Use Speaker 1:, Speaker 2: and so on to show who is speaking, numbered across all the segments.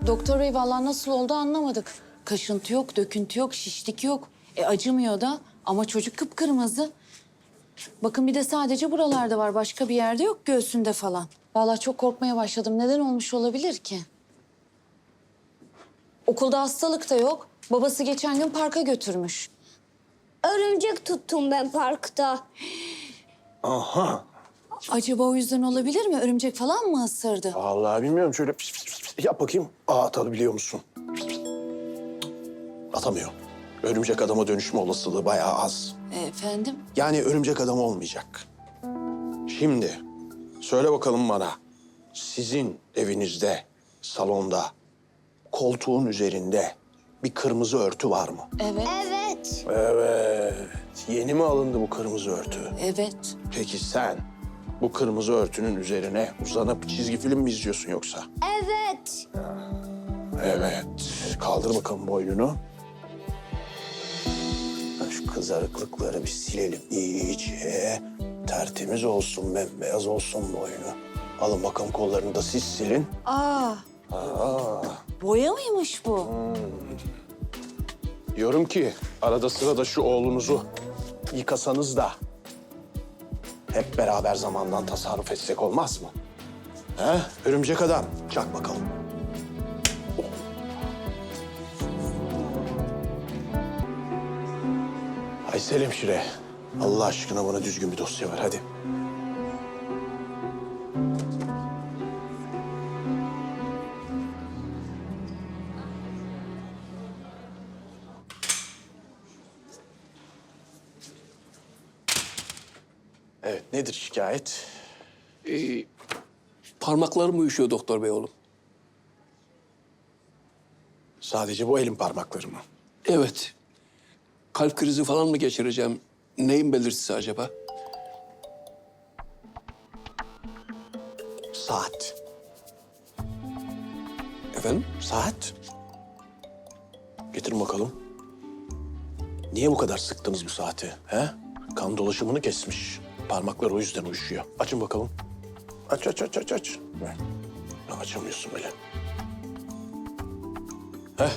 Speaker 1: Doktor bey vallahi nasıl oldu anlamadık. Kaşıntı yok, döküntü yok, şişlik yok. Acımıyor da ama çocuk kıpkırmızı. Bakın bir de sadece buralarda var. Başka bir yerde yok, göğsünde falan. Vallahi çok korkmaya başladım. Neden olmuş olabilir ki? Okulda hastalık da yok. Babası geçen gün parka götürmüş.
Speaker 2: Örümcek tuttum ben parkta.
Speaker 3: Aha.
Speaker 1: Acaba o yüzden olabilir mi? Örümcek falan mı ısırdı?
Speaker 3: Vallahi bilmiyorum. Şöyle yap bakayım. Atabiliyor musun? Atamıyor. Örümcek adama dönüşme olasılığı bayağı az.
Speaker 1: Efendim?
Speaker 3: Yani örümcek adam olmayacak. Şimdi söyle bakalım bana. Sizin evinizde, salonda, koltuğun üzerinde bir kırmızı örtü var mı?
Speaker 1: Evet.
Speaker 2: Evet.
Speaker 3: Evet. Yeni mi alındı bu kırmızı örtü?
Speaker 1: Evet.
Speaker 3: Peki sen bu kırmızı örtünün üzerine uzanıp çizgi film mi izliyorsun yoksa?
Speaker 2: Evet.
Speaker 3: Evet. Kaldır bakalım boynunu. Şu kızarıklıkları bir silelim iyice. Tertemiz olsun, bembeyaz olsun boynu. Alın bakalım kollarını da siz silin.
Speaker 1: Aa, boya mıymış bu?
Speaker 3: Diyorum ki arada sırada şu oğlunuzu yıkasanız da hep beraber zamandan tasarruf etsek olmaz mı? He? Örümcek adam. Çak bakalım. Aysel hemşire, Allah aşkına bana düzgün bir dosya ver hadi. Evet, nedir şikayet?
Speaker 4: Parmaklarım uyuşuyor doktor bey oğlum.
Speaker 3: Sadece bu elin parmakları mı?
Speaker 4: Evet. Kalp krizi falan mı geçireceğim? Neyin belirtisi acaba?
Speaker 3: Saat.
Speaker 4: Efendim?
Speaker 3: Saat. Getirin bakalım. Niye bu kadar sıktınız bu saati? He? Kan dolaşımını kesmiş. Parmaklar o yüzden uyuşuyor. Açın bakalım. Aç, aç, aç, aç, aç. Ver. Açamıyorsun böyle. Heh.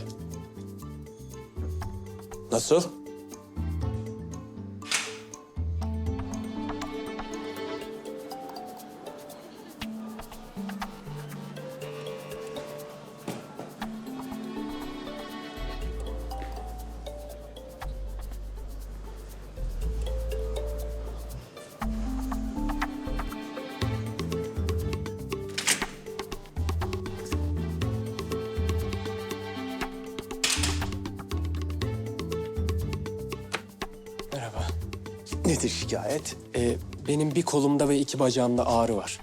Speaker 3: Nasıl?
Speaker 5: Merhaba.
Speaker 3: Nedir şikayet?
Speaker 5: Benim bir kolumda ve iki bacağımda ağrı var.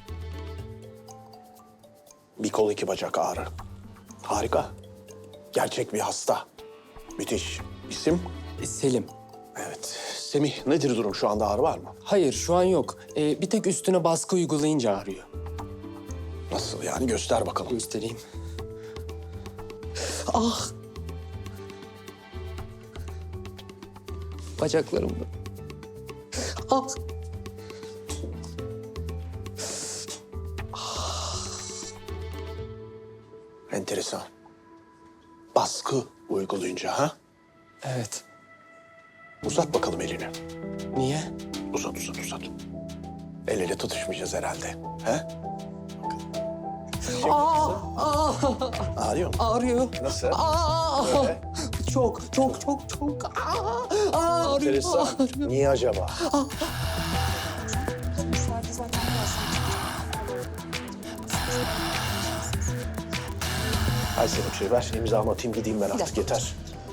Speaker 3: Bir kol iki bacak ağrı. Harika. Gerçek bir hasta. Müthiş. İsim?
Speaker 5: Selim.
Speaker 3: Evet. Semih, nedir durum? Şu anda ağrı var mı?
Speaker 5: Hayır, şu an yok. Bir tek üstüne baskı uygulayınca ağrıyor.
Speaker 3: Nasıl yani? Göster bakalım.
Speaker 5: Göstereyim. Ah! Bacaklarımda. Ah!
Speaker 3: Enteresan. Baskı uygulayınca ha?
Speaker 5: Evet.
Speaker 3: Uzat bakalım elini.
Speaker 5: Niye?
Speaker 3: Uzat, uzat, uzat. El ele tutuşmayacağız herhalde. He? Ağrıyor mu?
Speaker 5: Ağrıyor.
Speaker 3: Nasıl?
Speaker 5: Aa! Çok, çok, çok, çok. Ağrıyor.
Speaker 3: Enteresan. Niye acaba? Aysel hemşire ver imzamı atayım gideyim ben artık yeter.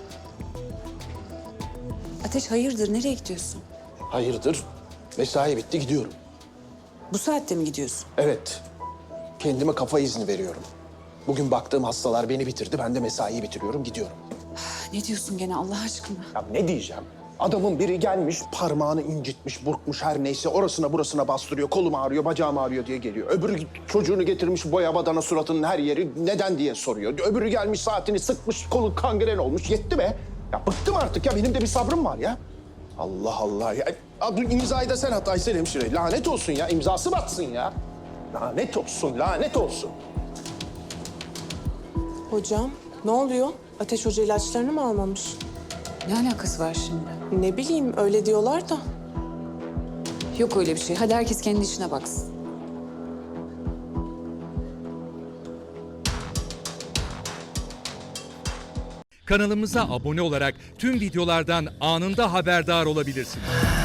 Speaker 1: Ateş hayırdır? Nereye gidiyorsun?
Speaker 3: Hayırdır? Mesai bitti gidiyorum.
Speaker 1: Bu saatte mi gidiyorsun?
Speaker 3: Evet. Kendime kafa izni veriyorum. Bugün baktığım hastalar beni bitirdi. Ben de mesaiyi bitiriyorum gidiyorum.
Speaker 1: Ne diyorsun gene Allah aşkına?
Speaker 3: Ya ne diyeceğim? Adamın biri gelmiş, parmağını incitmiş, burkmuş her neyse. Orasına burasına bastırıyor, kolum ağrıyor, bacağım ağrıyor diye geliyor. Öbürü çocuğunu getirmiş, boya badana suratının her yeri neden diye soruyor. Öbürü gelmiş saatini sıkmış, kolu kangren olmuş. Yetti be. Ya bıktım artık ya, benim de bir sabrım var ya. Allah Allah ya. İmzayı da sen at Aysel hemşire. Lanet olsun ya, imzası batsın ya. Lanet olsun, lanet olsun.
Speaker 6: Hocam ne oluyor? Ateş Hoca ilaçlarını mı almamış?
Speaker 7: Ne alakası var şimdi?
Speaker 6: Ne bileyim öyle diyorlar da.
Speaker 7: Yok öyle bir şey. Hadi herkes kendi işine baksın.
Speaker 8: Kanalımıza abone olarak tüm videolardan anında haberdar olabilirsiniz.